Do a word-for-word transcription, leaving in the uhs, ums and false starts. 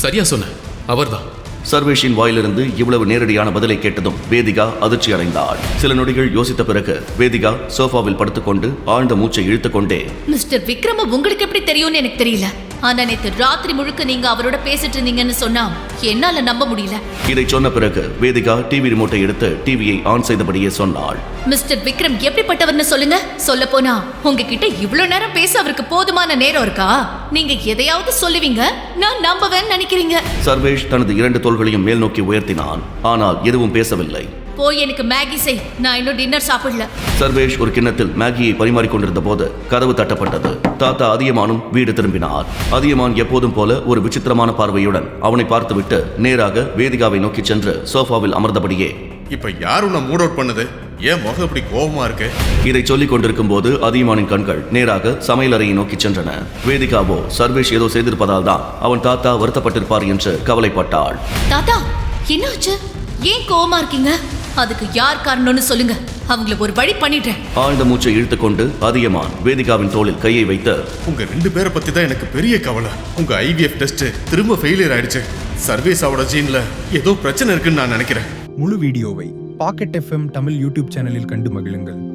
சரியா சொன்ன, அவர்தான். சர்வேஷின் வாயிலிருந்து இவ்வளவு நேரடியான பதிலை கேட்டதும் வேதிகா அதிர்ச்சி அடைந்தாள். சில நொடிகள் யோசித்த பிறகு வேதிகா சோஃபாவில் படுத்துக்கொண்டு ஆழ்ந்த மூச்சை இழுத்துக்கொண்டே, மிஸ்டர் விக்ரம உங்களுக்கு எப்படி தெரியும்னு எனக்கு தெரியல, ஆனா நேத்து ராத்திரி முழுக்க நீங்க அவரோட பேசிட்டு இருந்தீங்கன்னு சொன்னா என்னால நம்ப முடியல. இதை சொன்ன பிறகு வேதிகா டிவி ரிமோட்டை எடுத்து டிவியை ஆன் செய்தபடியே சொன்னாள். மிஸ்டர் விக்ரம் எப்படிப்பட்டவர்னு சொல்லுங்க. சொல்ல போனா உங்ககிட்ட இவ்வளவு நேரம் பேச அவருக்கு போதுமான நேரம் இருக்கா? நீங்க எதையாவது சொல்லுவீங்க, நான் நம்பவேன்னு நினைக்கிறீங்க. சர்வேஷ் தனது இரண்டு தோள்களையும் மேல் நோக்கி உயர்த்தினான். ஆனால் எதுவும் பேசவில்லை. போய் எனக்கு மேகி செய், நான் இன்னும் டின்னர் சாப்பிடல. சர்வேஷ் ஒரு கிண்ணத்தில் மேகியை பரிமாறிக்கொண்டிருந்த போது கதவு தட்டப்பட்டது. தாத்தா அதியமானும் வீடு திரும்பினார். அதியமான் எப்போதும் போல ஒரு விசித்திரமான பார்வையுடன் அவனை பார்த்துவிட்டு நேராக வேதிகாவை நோக்கி சென்று சோஃபாவில் அமர்ந்தபடியே, இப்ப யார் உன்னை மூட் அவுட் பண்ணது? ஏன் முகம் இப்படி கோபமா இருக்கு? இதை சொல்லிக் கொண்டிருக்கும் போது அதியமானின் கண்கள் நேராக சமையலறையை நோக்கி சென்றன. வேதிகாவோ சர்வேஷ் ஏதோ செய்திருப்பதால் தான் அவன் தாத்தா வருத்தப்பட்டிருப்பார் என்று கவலைப்பட்டாள். தாத்தா என்னாச்சு? ஏன் கோவமா இருக்கீங்க? அதுக்கு யார் காரணம்னு சொல்லுங்க, அவங்கள ஒரு வழி பண்ணிடுறேன். ஆழ்ந்த மூச்சை இழுத்துக்கொண்டு அதியமான் வேதிகாவின் தோளில் கையை வைத்து, உங்க ரெண்டு பேரை பத்தி தான் எனக்கு பெரிய கவலை. உங்க ஐவிஎஃப் டெஸ்ட் திரும்ப ஃபெயிலியர் ஆயிடுச்சு. சர்வேஸாவோட ஜீன்ல ஏதோ பிரச்சனை இருக்குன்னு நான் நினைக்கிறேன். முழு வீடியோவை பாக்கெட் எஃப்எம் தமிழ் யூடியூப் சேனலில் கண்டு மகிழுங்கள்.